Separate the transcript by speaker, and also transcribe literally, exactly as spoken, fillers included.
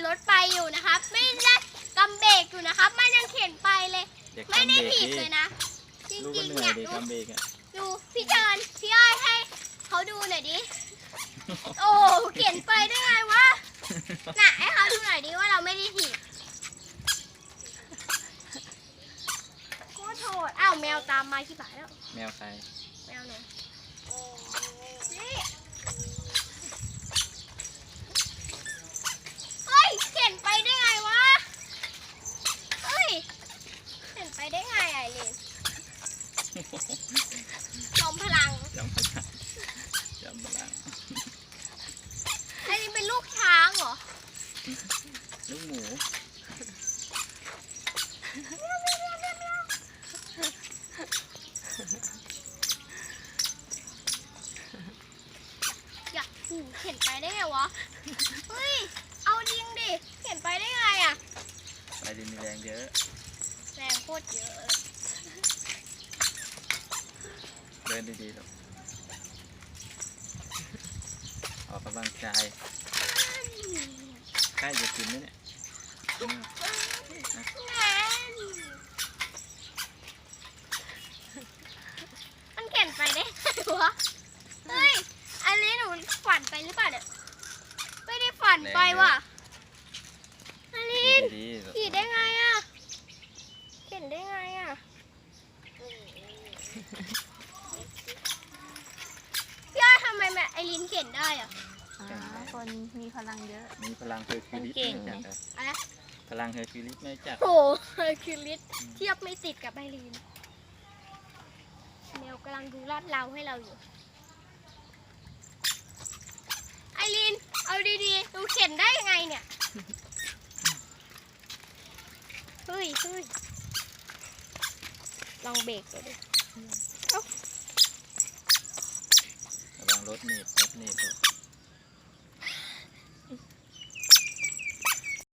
Speaker 1: รถไปอยู่นะครับไม่ได้กำเบรกอยู่นะครับมันยังเข็นไปเลยไม่ได้ถีบเลยนะจริงๆเนี่ยดูดูพี่เจินพี่อ้อยให้เขาดูหน่อยดิโอ้เข็นไปได้ไงวะน่ะให้เขาดูหน่อยดิว่าเราไม่ได้ถีบโคตรโหดอ้าวแมวตามมาที่บ่ายแล้ว
Speaker 2: แมวใคร
Speaker 1: แมวหนูนี่เฮ้ยเข็นไปได้ไงวะเฮ้ยเข็นไปได้ไงไอรินจอมพลัง
Speaker 2: จอมพลังจอมพลัง
Speaker 1: ไอรินเป็นลูกช้างเหรอ
Speaker 2: ลูกหมู
Speaker 1: อยากหูเข็นไปได้ไงวะเฮ้ยเอาจริงดิเข็นไปได้ไงอะ
Speaker 2: ไอรินมีแรงเยอะ
Speaker 1: แรงโคตรเยอะ
Speaker 2: เดินดีๆลูกออกกำลังกายใกล้จะกินไหมเนี่ย
Speaker 1: มันเข็นไปได้ไงวะเฮ้ยอันนี้หนูฝันไปหรือเปล่าเนี่ยไม่ได้ฝันไปว่ะอันนี้ขี่ได้ไงอะเข็นได้ไงอะพี่อ้อยทำไมแม่ไอรินเข็นได้อะ
Speaker 3: คนมีพลังเยอะ
Speaker 2: มีพลังเฮอร์คิวลิส
Speaker 3: เก่ง
Speaker 1: อะไร
Speaker 2: พลังเฮอร์คิวลิสไม่จับ
Speaker 1: โอ้เฮอร์คิวลิสเทียบไม่ติดกับไอรินแมวกำลังดูลาดเราให้เราอยู่ไอรินเอาดีๆดูเข็นได้ยังไงเนี่ยเฮ้ยเฮ้ยลองเบรกดูดิ
Speaker 2: ระวังรถหนีบรถหนีบรถ